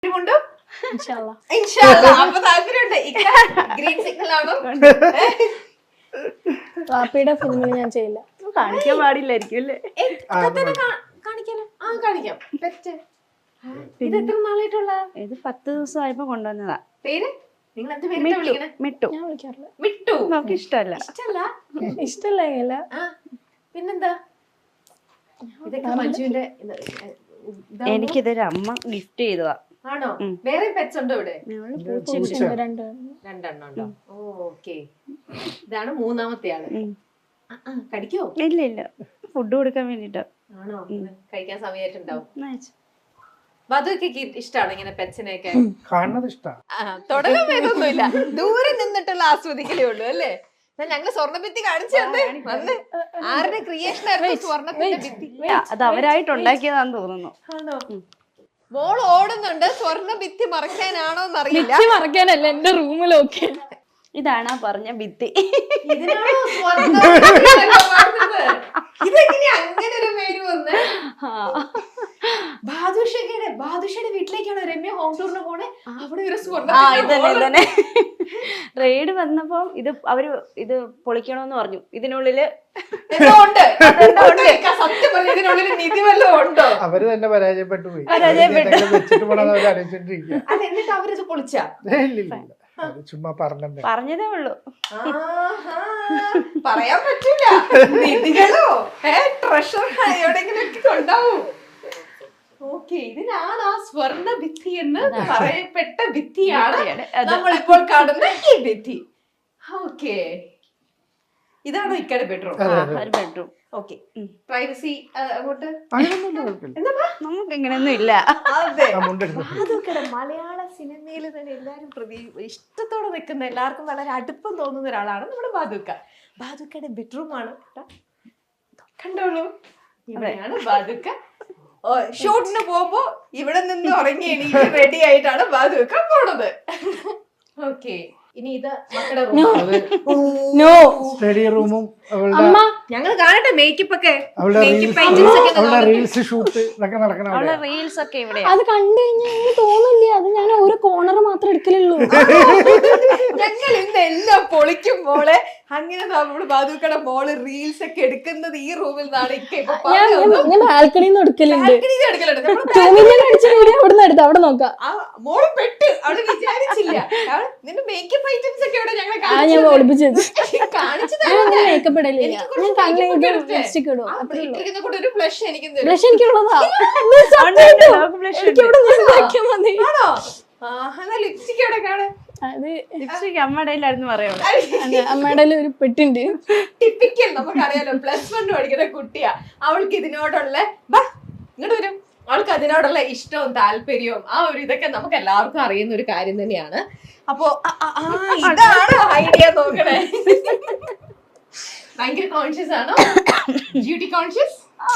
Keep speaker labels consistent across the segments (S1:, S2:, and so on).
S1: Green signal ആണോ?
S2: വാപ്പിയുടെ ഫിലിമിൽ ഞാൻ ചെയ്യില്ല.
S3: കാണിക്കാൻ പാടില്ലായിരിക്കും അല്ലേ?
S1: കാണിക്കാനോ? ആ കാണിക്കാം. ഇത് എത്ര നാളായിട്ടുള്ള?
S3: ഇത് 10 ദിവസമായപ്പോ കൊണ്ടുവന്നതാ.
S1: പേര് നിങ്ങൾ എന്ത് പേര് വിളിക്കണേ?
S3: മിട്ടു.
S2: ഞാൻ വിളിക്കാറില്ല.
S1: മിട്ടു.
S3: നമുക്ക് ഇഷ്ടമല്ല.
S2: ഇഷ്ടമല്ല.
S1: പിന്നെന്താ? ഇതൊക്കെ മഞ്ജുവിന്റെ
S3: എനിക്കിതൊരു അമ്മ ഗിഫ്റ്റ് ചെയ്തതാ.
S1: ആണോ? വേറെ പെറ്റ്സ് ഉണ്ടോ ഇവിടെ?
S2: രണ്ടെണ്ണം
S1: ഉണ്ടോ? ഓക്കെ. ഇതാണ് മൂന്നാമത്തെ ആള്. കടിക്കോ?
S3: ഇല്ല ഫുഡ് കൊടുക്കാൻ വേണ്ടിട്ടാ.
S1: ആണോ? കഴിക്കാൻ സമയമായിട്ടുണ്ടാവും. വധുക്ക് ഇഷ്ടമാണ് ഇങ്ങനെ പെറ്റ്സിനെയൊക്കെ
S4: കാണുന്നത് ഇഷ്ടമാണ്.
S1: തുടങ്ങാൻ വേദമൊന്നുമില്ല, ദൂരെ നിന്നിട്ടുള്ള ആസ്വദിക്കലേ ഉള്ളൂ അല്ലേ? ഞങ്ങള് സ്വർണ്ണഭിത്തി കാണിച്ചു തന്നെ വന്ന് ആരുടെ ക്രിയേഷൻ ആയിരുന്നു സ്വർണ്ണത്തിന്റെ ഭിത്തി?
S3: അത് അവരായിട്ട് ഉണ്ടാക്കിയതാന്ന് തോന്നുന്നു.
S1: ആണോ? മോൾ ഓടുന്നുണ്ട്, സ്വർണ്ണ ഭിത്തി മറക്കാനാണോ എന്നറിയില്ല.
S2: മറക്കാനല്ല, എന്റെ റൂമിലൊക്കെ.
S3: ഇതാണ് പറഞ്ഞ ഭിത്തി.
S1: ഇതിനാണോ അങ്ങനെ ഒരു പേര് വന്ന്? ബാദുഷയുടെ വീട്ടിലേക്കാണോ രമ്യ ഹോം ടൂറിന് പോണേ? അവിടെ ഒരു
S3: ഇതന്നെ റെയ്ഡ് വന്നപ്പോ അവര് ഇത് പൊളിക്കണോന്ന് പറഞ്ഞു. ഇതിനുള്ളില്
S1: സത്യം പറഞ്ഞു, ഇതിനുള്ളിൽ നിധി വല്ലതും ഉണ്ടോ?
S4: അവര് തന്നെ പരാജയപ്പെട്ടു പോയി.
S1: എന്നിട്ട് അവരിത് പൊളിച്ചാ?
S4: ചുമ്മാ
S3: പറഞ്ഞതേ ഉള്ളൂ.
S1: പറയാൻ പറ്റൂല. നിധികളോ ട്രഷർ എവിടെയെങ്കിലും ഉണ്ടാവും. ഓക്കെ, ഇതിനാണ് ആ സ്വർണ്ണ ഭിത്തി എന്ന് പറയപ്പെട്ട ഭിത്തിയാണ് നമ്മളിപ്പോൾ കാണുന്ന ഈ ഭിത്തി. ഓക്കെ, ഇതാണോ ഇക്കടെ ബെഡ്റൂം?
S3: ബെഡ്റൂം.
S1: ഓക്കെ, പ്രൈവസി അങ്ങോട്ട്
S3: നമുക്ക് ഇങ്ങനെയൊന്നും ഇല്ല.
S1: അതെ, അതൊക്കെ മലയാള സിനിമയിൽ തന്നെ എല്ലാരും ഇഷ്ടത്തോടെ നിൽക്കുന്ന, എല്ലാവർക്കും വളരെ അടുപ്പം തോന്നുന്ന ഒരാളാണ് നമ്മുടെ ബാദുക്ക. ബാദുക്കയുടെ ബെഡ്റൂം ആണ് കണ്ടോളൂ. ഇവിടെയാണ് ബാദുക്ക ഷൂട്ടിന് പോകുമ്പോ ഇവിടെ നിന്ന് ഉറങ്ങി എണീറ്റ് റെഡി ആയിട്ടാണ് ബാദുക്ക പോണത്. ഓക്കെ, ഇനി ഇത് മക്കളുടെ
S4: സ്റ്റഡി റൂമും
S1: ഞങ്ങൾ കാണട്ടെ മേക്കപ്പ് ഒക്കെ.
S4: റീൽസ് ഷൂട്ട് ഇതൊക്കെ നടക്കണം.
S3: റീൽസ് ഒക്കെ ഇവിടെ
S2: അത് കണ്ടു കഴിഞ്ഞാൽ എനിക്ക് തോന്നില്ല, അത് ഞാൻ ഒരു കോർണർ മാത്രം എടുക്കലുള്ളൂ.
S1: ഞങ്ങൾ ഇന്ന് എല്ലാം പൊളിക്കും മോളെ. അങ്ങനെ നമ്മള് ബാദുക്കയുടെ മോള് റീൽസ് ഒക്കെ എടുക്കുന്നത് ഈ റൂമിൽ നിന്നാണ്.
S2: ഞാൻ ബാൽക്കണിന്ന് എടുക്കലുണ്ട്. അവിടുന്ന് എടുത്ത് അവിടെ നോക്കാം.
S1: മോള് പെട്ട് അവിടെ വിചാരിച്ചില്ല. നിന്റെ മേക്കപ്പ് ഐറ്റംസ് ഒക്കെ ഇവിടെ ഞങ്ങൾ
S2: ഞാൻ ഒളിപ്പിച്ചത്
S1: കാണിച്ചു.
S2: മേക്കപ്പ് ഇടലില്ല, ഞാൻ കണ്ണിൽ ലിപ്സ്റ്റിക് ഇടും.
S1: ബ്ലഷ് എനിക്ക്
S2: ബ്ലഷ് എനിക്കുള്ളതാ.
S1: ലിപ്സ്റ്റിക് എവിടെ കാണാൻ?
S3: അത് ലിപ്സ്റ്റിക് അമ്മയുടെയിലായിരുന്നു പറയുള്ളൂ.
S2: അമ്മയുടെ ഒരു പെട്ടുണ്ട്.
S1: ടിപ്പിക്കൽ, നമുക്കറിയാലോ +1 പഠിക്കുന്ന കുട്ടിയാ. അവൾക്ക് ഇതിനോടുള്ള ഇങ്ങോട്ട് വരും, അവൾക്ക് അതിനോടുള്ള ഇഷ്ടവും താല്പര്യവും ആ ഒരു ഇതൊക്കെ നമുക്ക് എല്ലാവർക്കും അറിയുന്ന ഒരു കാര്യം തന്നെയാണ്. അപ്പൊ ഇതാണ് ഐഡിയ നോക്കണേ. ഭയങ്കര കോൺഷ്യസ് ആണോ? Duty conscious?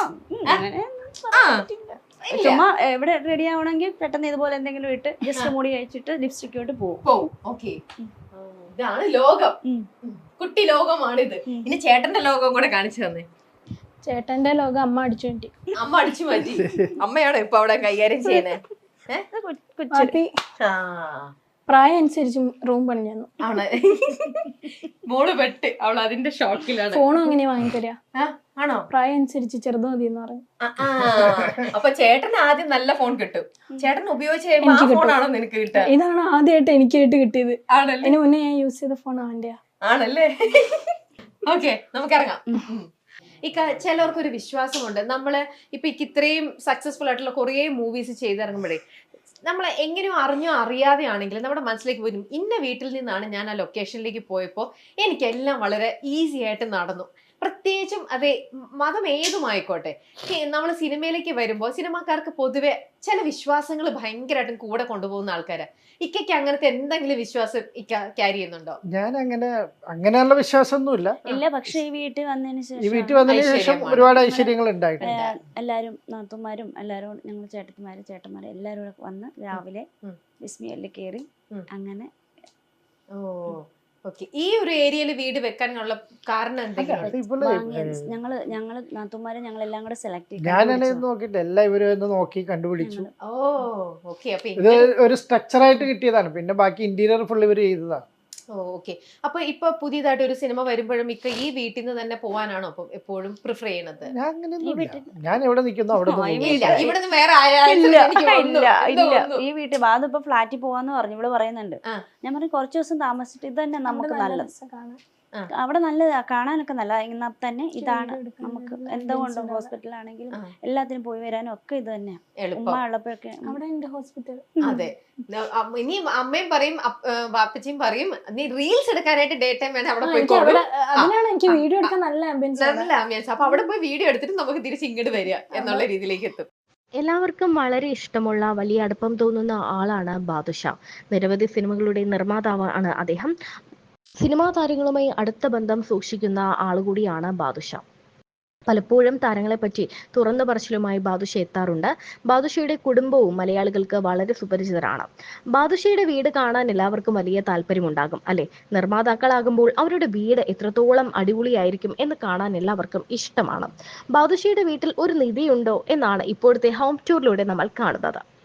S3: ചുമ്മാ എവിടെ റെഡി ആവണമെങ്കിൽ പെട്ടെന്ന് ഇതുപോലെ എന്തെങ്കിലും ഇട്ട് ജസ്റ്റ് മുടി കഴിച്ചിട്ട് ലിപ്സ്റ്റിക് ഇട്ട് പോകും.
S1: ഓക്കെ, ഇതാണ് ലോകം, കുട്ടി ലോകമാണിത്. ഇനി ചേട്ടന്റെ ലോകം കൂടെ കാണിച്ചു തന്നെ.
S2: ചേട്ടന്റെ ലോകം അമ്മ അടിച്ചു മാറ്റി.
S1: അമ്മ അടിച്ചു മാറ്റി. അമ്മയാണോ ഇപ്പൊ അവിടെ കൈകാര്യം ചെയ്യുന്നേ?
S2: പ്രായം അനുസരിച്ച് റൂം പണിഞ്ഞു
S1: ആണ്. മോള് പെട്ട് അവൾ അതിന്റെ ഷോക്കിലാണ്.
S2: ഫോണും അങ്ങനെ വാങ്ങിത്തരാ?
S1: ആണോ?
S2: പ്രായം അനുസരിച്ച് ചെറുത് മതി എന്ന് പറഞ്ഞു.
S1: അപ്പൊ ചേട്ടന് ആദ്യം നല്ല ഫോൺ കിട്ടും. ചേട്ടൻ ഉപയോഗിച്ച് കഴിയുമ്പോൾ ആ ഫോണാണോ നിനക്ക് കിട്ടുക?
S2: ഇതാണ് ആദ്യമായിട്ട് എനിക്കായിട്ട് കിട്ടിയത്.
S1: ആണല്ലേ?
S2: അതിന് മുന്നേ ഞാൻ യൂസ് ചെയ്ത ഫോൺ അവന്റെയാ.
S1: ആണല്ലേ? ഓക്കെ, നമുക്കിറങ്ങാം. ചിലവർക്കൊരു വിശ്വാസമുണ്ട്, നമ്മള് ഇപ്പൊ ഇത്രയും സക്സസ്ഫുൾ ആയിട്ടുള്ള കുറേ മൂവീസ് ചെയ്തിറങ്ങുമ്പോഴേ നമ്മളെ എങ്ങനെയോ അറിഞ്ഞോ അറിയാതെ ആണെങ്കിലും നമ്മുടെ മനസ്സിലേക്ക് വരും, ഇന്ന വീട്ടിൽ നിന്നാണ് ഞാൻ ആ ലൊക്കേഷനിലേക്ക് പോയപ്പോൾ എനിക്കെല്ലാം വളരെ ഈസി ആയിട്ട് നടന്നു. പ്രത്യേകിച്ചും അതെ, മതം ഏതുമായിക്കോട്ടെ. നമ്മൾ സിനിമയിലേക്ക് വരുമ്പോൾ സിനിമാക്കാർക്ക് പൊതുവെ ചില വിശ്വാസങ്ങൾ ഭയങ്കരമായിട്ടും കൂടെ കൊണ്ടുപോകുന്ന ആൾക്കാരാ. ഇക്കയ്ക്ക് അങ്ങനത്തെ എന്തെങ്കിലും വിശ്വാസം ഇക്ക ക്യാരി ചെയ്യുന്നുണ്ടോ?
S4: ഞാൻ അങ്ങനെയുള്ള വിശ്വാസമൊന്നുമില്ല.
S3: ഇല്ല, പക്ഷെ ഈ വീട്ടിൽ വന്നതിന്
S4: ശേഷം ഒരുപാട് ഐശ്വര്യങ്ങൾ ഉണ്ടായിട്ടുണ്ട്.
S3: എല്ലാരും നാത്തുമാരും എല്ലാരും ഞങ്ങൾ ചേട്ടന്മാരും എല്ലാരും കൂടെ വന്ന് രാവിലെ ബിസ്മിയെല്ലാം കേറി അങ്ങനെ.
S1: ഓക്കെ. ഈ ഒരു ഏരിയയിൽ വീട് വെക്കാനുള്ള കാരണം എന്തെങ്കിലും?
S4: അത് ഇപ്പോൾ
S3: ഞങ്ങള് നാത്തുമാരെ ഞങ്ങളെല്ലാം കൂടെ സെലക്ട്
S4: ഞാനാണ് നോക്കിയിട്ട് എല്ലാം ഇവരും ഒന്ന് നോക്കി കണ്ടുപിടിച്ചു.
S1: ഓ ഓക്കെ. അപ്പൊ
S4: ഇത് ഒരു സ്ട്രക്ചർ ആയിട്ട് കിട്ടിയതാണ്, പിന്നെ ബാക്കി ഇന്റീരിയർ ഫുൾ ഇവർ ചെയ്തതാണ്.
S1: ഓക്കെ. അപ്പൊ ഇപ്പൊ പുതിയതായിട്ട് ഒരു സിനിമ വരുമ്പോഴും ഇക്ക ഈ വീട്ടിൽ നിന്ന് തന്നെ പോവാനാണോ അപ്പൊ എപ്പോഴും പ്രിഫർ ചെയ്യണത്?
S4: ഞാൻ അങ്ങനെയൊന്നുമില്ല, ഞാൻ എവിടെ നിൽക്കുന്നു അവിടെ
S1: ഇല്ല, ഇവിടെ നിന്ന് വേറെ
S3: ഈ വീട്ടിൽ ബാധ ഇപ്പൊ ഫ്ലാറ്റിൽ പോവാന്ന് പറഞ്ഞു ഇവിടെ പറയുന്നുണ്ട്.
S1: ആ.
S3: ഞാൻ പറഞ്ഞു കുറച്ച് ദിവസം താമസിച്ചിട്ട് ഇത് തന്നെ നമുക്ക് നല്ലത്.
S2: കാണാൻ.
S3: അവിടെ നല്ലതാ, കാണാനൊക്കെ നല്ല. എന്നാൽ തന്നെ ഇതാണ് നമുക്ക് എന്തുകൊണ്ടും ഹോസ്പിറ്റലാണെങ്കിലും എല്ലാത്തിനും പോയി വരാനും ഒക്കെ ഇത് തന്നെയാ. ഉമ്മ ഉള്ളപ്പോഴൊക്കെ
S2: അവിടെ ഉണ്ട് ഹോസ്പിറ്റൽ.
S1: അതെ. ഇനി അമ്മയും പറയും വാപ്പച്ചിയും പറയും നീ റീൽസ് എടുക്കാനായിട്ട് ഡേ ടൈം വേണം അവിടെ പോയി.
S2: അതിനാണ് എനിക്ക് വീഡിയോ എടുക്കാൻ നല്ല ആംബിയൻസ്.
S1: നല്ല ആംബിയൻസ്. അപ്പൊ അവിടെ പോയി വീഡിയോ എടുത്തിട്ട് നമുക്ക് തിരിച്ച് ഇങ്ങോട്ട് വരിക എന്നുള്ള രീതിയിലേക്ക് എത്തും.
S5: എല്ലാവർക്കും വളരെ ഇഷ്ടമുള്ള വലിയ അടുപ്പം തോന്നുന്ന ആളാണ് ബാദുഷ. നിരവധി സിനിമകളുടെ നിർമ്മാതാവാണ് അദ്ദേഹം. സിനിമാ താരങ്ങളുമായി അടുത്ത ബന്ധം സൂക്ഷിക്കുന്ന ആളുകൂടിയാണ് ബാദുഷ. പലപ്പോഴും താരങ്ങളെപ്പറ്റി തുറന്നു പറച്ചിലുമായി ബാദുഷ എത്താറുണ്ട്. ബാദുഷയുടെ കുടുംബവും മലയാളികൾക്ക് വളരെ സുപരിചിതരാണ്. ബാദുഷയുടെ വീട് കാണാൻ എല്ലാവർക്കും വലിയ താല്പര്യമുണ്ടാകും അല്ലെ? നിർമ്മാതാക്കളാകുമ്പോൾ അവരുടെ വീട് എത്രത്തോളം അടിപൊളിയായിരിക്കും എന്ന് കാണാൻ എല്ലാവർക്കും ഇഷ്ടമാണ്. ബാദുഷയുടെ വീട്ടിൽ ഒരു നിധിയുണ്ടോ എന്നാണ് ഇപ്പോഴത്തെ ഹോം ടൂറിലൂടെ നമ്മൾ കാണുന്നത്.